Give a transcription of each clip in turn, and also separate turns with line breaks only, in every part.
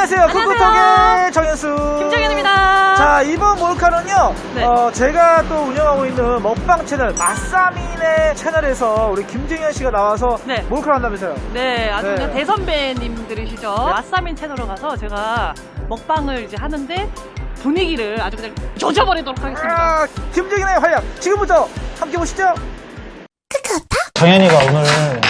안녕하세요. 쿡쿡톡의 정현수
김정현입니다.
자, 이번 몰카는요
네.
제가 또 운영하고 있는 먹방 채널 맛사민의 채널에서 우리 김정현 씨가 나와서
네.
몰카를 한다면서요.
네, 아주
네.
그냥 대선배님들이시죠. 맛사민 채널로 가서 제가 먹방을 이제 하는데 분위기를 아주 그냥 조져버리도록 하겠습니다.
김정현의 활약 지금부터 함께 보시죠.
정현이가 오늘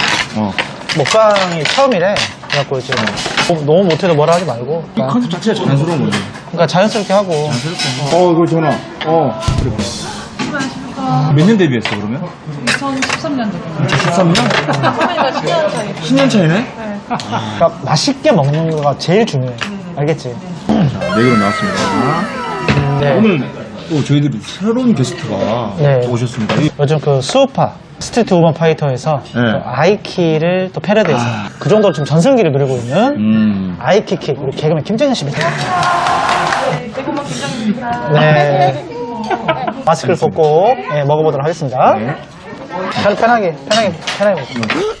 먹방이 처음이래. 그래갖고 이제 너무 못해도 뭐라 하지 말고.
이 컨셉 자체가 자연스러운 거지.
그러니까 자연스럽게 하고.
이거 전화. 그래. 몇 년 데뷔했어, 그러면?
2013년도.
13년?
선배님과 10년 차이.
10년 차이네?
그러니까 맛있게 먹는 거가 제일 중요해. 알겠지?
자, 네 그릇 나왔습니다.
네.
오늘 또 저희들이 새로운 게스트가
네.
오셨습니다.
요즘 그 수우파 스트리트 우먼 파이터에서
네.
또 아이키를 또 패러디해서 그 정도로 지금 전성기를 누리고 있는 아이키킥 우리 개그맨 김정현 씨입니다.
대구만 김정현입니다.
네. 마스크를 벗고 먹어보도록 하겠습니다.
네.
편하게 먹고.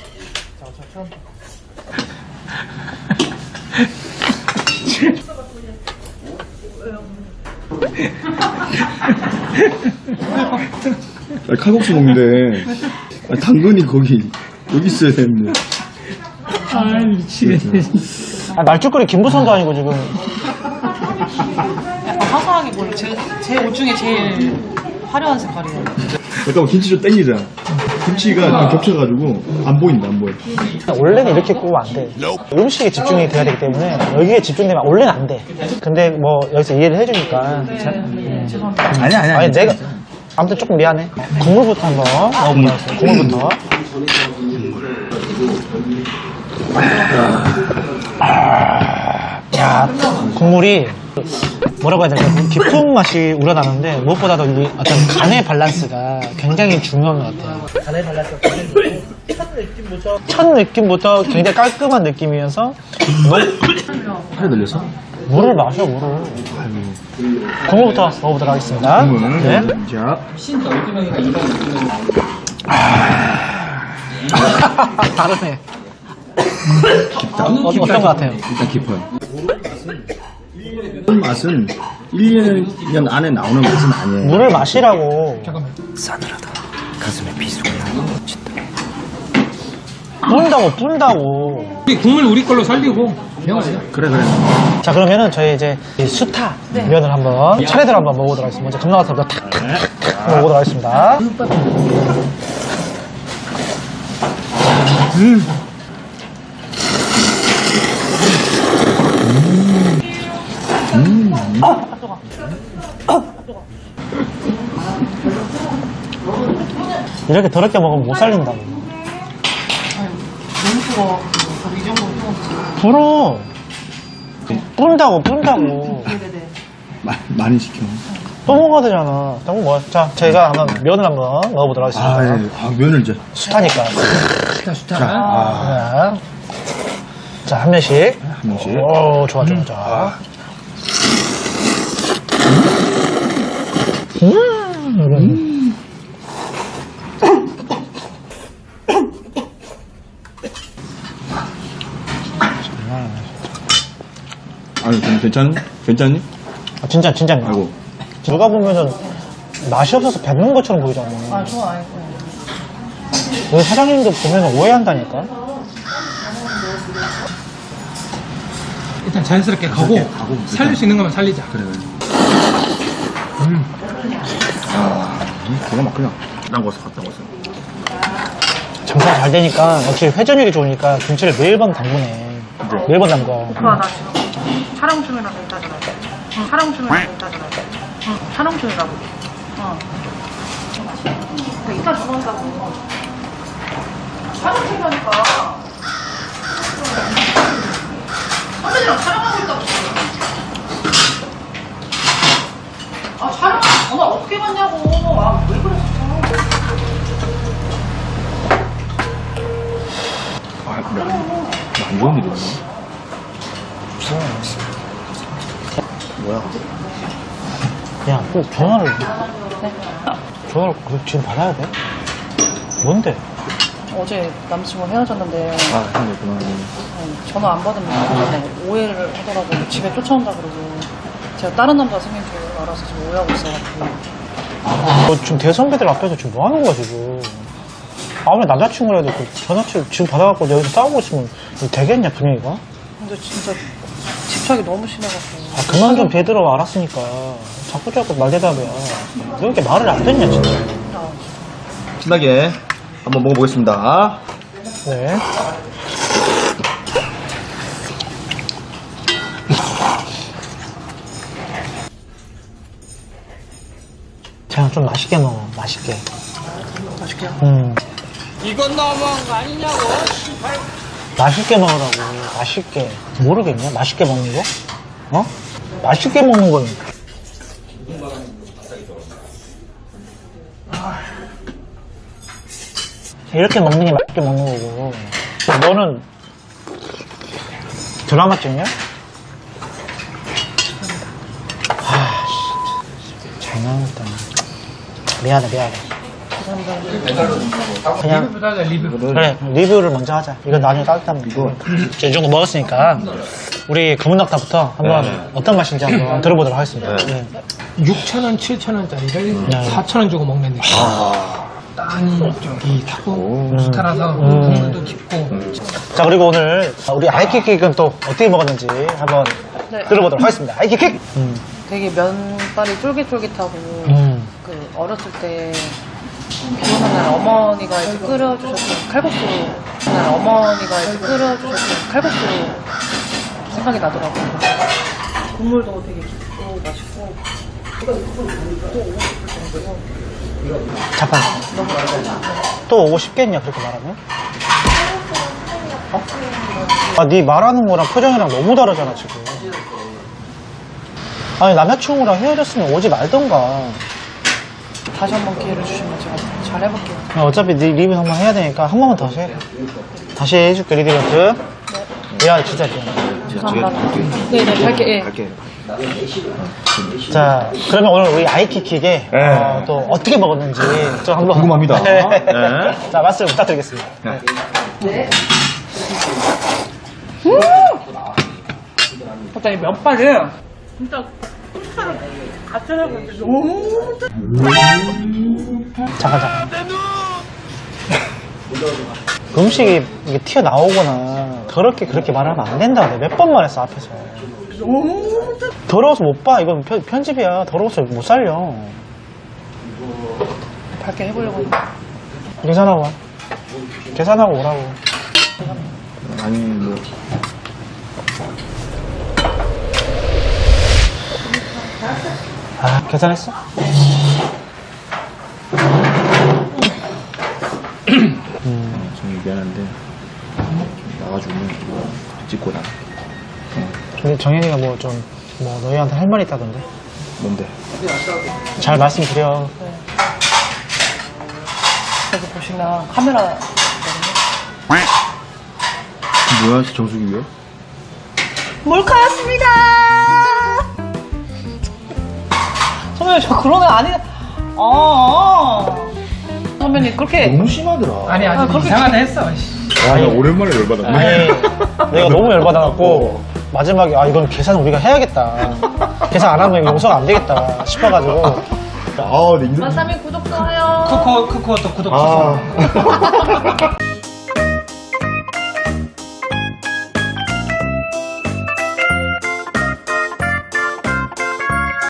칼국수 먹는데 당근이 여기 있어야 되는데. 미치겠네.
말죽거리 김부선도 아니고 지금.
약간 화사하게 보여. 제 옷 중에 제일 화려한 색깔이에요.
잠깐만, 김치 좀 땡기자. 김치가 좀 겹쳐가지고 안 보인다, 안 보여.
원래는 이렇게 구우면 안 돼. 음식에 집중이 돼야 되기 때문에 여기에 집중되면 원래는 안 돼. 근데 뭐 여기서 이해를 해주니까.
아니야.
아니 내가 아무튼 조금 미안해. 국물부터 한번 먹어보도록 하겠습니다. 국물부터. 야, 국물이 뭐라고 해야 될까? 깊은 맛이 우러나는데 무엇보다도 이 어떤 간의 밸런스가 굉장히 중요한 것 같아요. 간의 밸런스가 굉장히 첫 느낌부터 굉장히 깔끔한 느낌이면서
팔에 들렸어?
물을 마셔, 물을. 국물부터 먹어보도록 하겠습니다. 네.
자,
다르네.
깊다.
어떤 것 같아요?
일단 깊어요. 물 맛은 1년 안에 나오는 맛은 아니에요.
물을 마시라고.
싸늘하다. 가슴에 비수가 넘친다.
뿜다고.
국물 우리 걸로 살리고
그래.
자, 그러면은 저희 이제 이 수타 면을 한번 차례대로 한번 먹어보도록 하겠습니다. 먼저 감나가서 탁탁탁 먹어보도록 하겠습니다. 이렇게 더럽게 먹으면 못 살린다고. 불어. 뿜다고.
많이 시켜.
또 먹어야 되잖아. 너무 뭐. 자, 저희가 한번 면을 한번 먹어보도록 하겠습니다.
면을 이제.
수타니까.
자,
자, 한 면씩.
한 명씩.
오, 좋아.
아니, 괜찮니?
아, 진짜.
아이고.
누가 보면은 맛이 없어서 뱉는 것처럼 보이잖아.
아, 좋아요.
우리 사장님도 보면 오해한다니까.
일단 자연스럽게 가고 살릴 수 있는 것만 살리자.
그래. 기가 막히다. 갔다 왔어.
장사가 잘 되니까 역시 회전율이 좋으니까 김치를 매일 밤 담그네. 매일 밤 담궈.
좋아, 나 지금 촬영 중이라고 했다잖아. 촬영 중이라고. 이따 들어온다고. 촬영 중이라니까. 선배님이랑 촬영하고 있다고. 아, 촬영, 엄마 어떻게 봤냐고. 아, 왜 그래, 진짜.
안 좋은 일이네.
야, 꼭 전화를 지금 받아야 돼? 뭔데?
어제 남친과 헤어졌는데
아, 그렇구나.
전화 안 받으면 오해를 하더라고요. 집에 쫓아온다 그러고 제가 다른 남자 생긴 줄 알아서 지금 오해하고 있어가지고.
너 지금 대선배들 앞에서 지금 뭐 하는 거야, 지금? 아무리 남자친구라도 그 전화치를 지금 받아갖고 여기서 싸우고 있으면 이거 되겠냐, 분위기가?
근데 진짜 집착이 너무 심해가지고.
아, 그만 좀 대들어, 알았으니까. 자꾸 말대답이야. 왜 이렇게 말을 안 듣냐, 진짜.
신나게 한번 먹어보겠습니다.
네. 그냥 좀 맛있게 먹어, 맛있게.
맛있게요?
이건 너무한 거 아니냐고, 맛있게 먹으라고, 맛있게. 모르겠냐? 맛있게 먹는 거? 어? 맛있게 먹는 건. 이렇게 먹는 게 맛있게 먹는 거고. 너는 드라마 찍냐? 잘 나왔다. 미안해. 그냥
리뷰보다 리뷰.
그래 리뷰를 먼저 하자. 이건 나중에 따뜻하면 이거 이 정도 먹었으니까 우리 검은낙타부터 한번 어떤 맛인지 한번 들어보도록 하겠습니다. 네.
6,000원, 7,000원짜리를 4,000원 주고 먹는 느낌. 땅이 저기 타고 수탈라서 국물도 깊고.
자 그리고 오늘 우리 아이킥킥은 또 어떻게 먹었는지 한번
네.
들어보도록 하겠습니다. 아이킥킥.
되게 면발이 쫄깃쫄깃하고 그 어렸을 때 비 오는 날 어머니가 이렇게 끓여주셨던 칼국수 날 어머니가 이렇게 끓여주셨던 칼국수 생각이 나더라고요. 국물도 되게 깊고 맛있고
잠깐. 또 오고 싶겠냐 그렇게 말하면? 아, 네 말하는 거랑 표정이랑 너무 다르잖아 지금. 아니 남자친구랑 헤어졌으면 오지 말던가.
다시 한번 기회를 주시면 제가 잘 해볼게요.
어차피 네 리뷰 한번 해야 되니까 한 번만 더 해. 다시 해줄게 리뷰트. 야 진짜 미안해.
감사합니다. 네네 밝게.
갈게.
자 그러면 오늘 우리 아이킥킥에 또 어떻게 먹었는지 좀 한번
궁금합니다.
네.
네.
자 말씀 부탁드리겠습니다.
네.
일단 이 면발이 진짜 흡사를 같이 해보는데 너무
잠깐. 음식이 이게 튀어나오거나 더럽게 그렇게 말하면 안 된다. 내가 몇 번 말했어 앞에서. 더러워서 못 봐. 이건 편집이야. 더러워서 못 살려.
밝게 해보려고 했는데
계산하고 와. 계산하고 오라고.
아니, 뭐.
아 계산했어?
정말 미안한데. 나가주면 찍고 나.
근데 정현이가 뭐 너희한테 할 말이 있다던데.
뭔데?
잘 말씀드려.
여기 보시면 카메라
뭐야, 정수기 왜?
몰카였습니다. 선배님 저 그런 애 아니. 선배님 그렇게
너무 심하더라.
아니, 아직
그렇게
이상하다 했어. 씨.
와, 나 오랜만에 열받았네.
아니 내가 너무 열받아갖고 마지막에 이건 계산 우리가 해야겠다. 계산 안 하면 용서가 안 되겠다 싶어가지고.
아, 내 이름.
마사미 구독 좋아요.
쿠코 또 구독
아.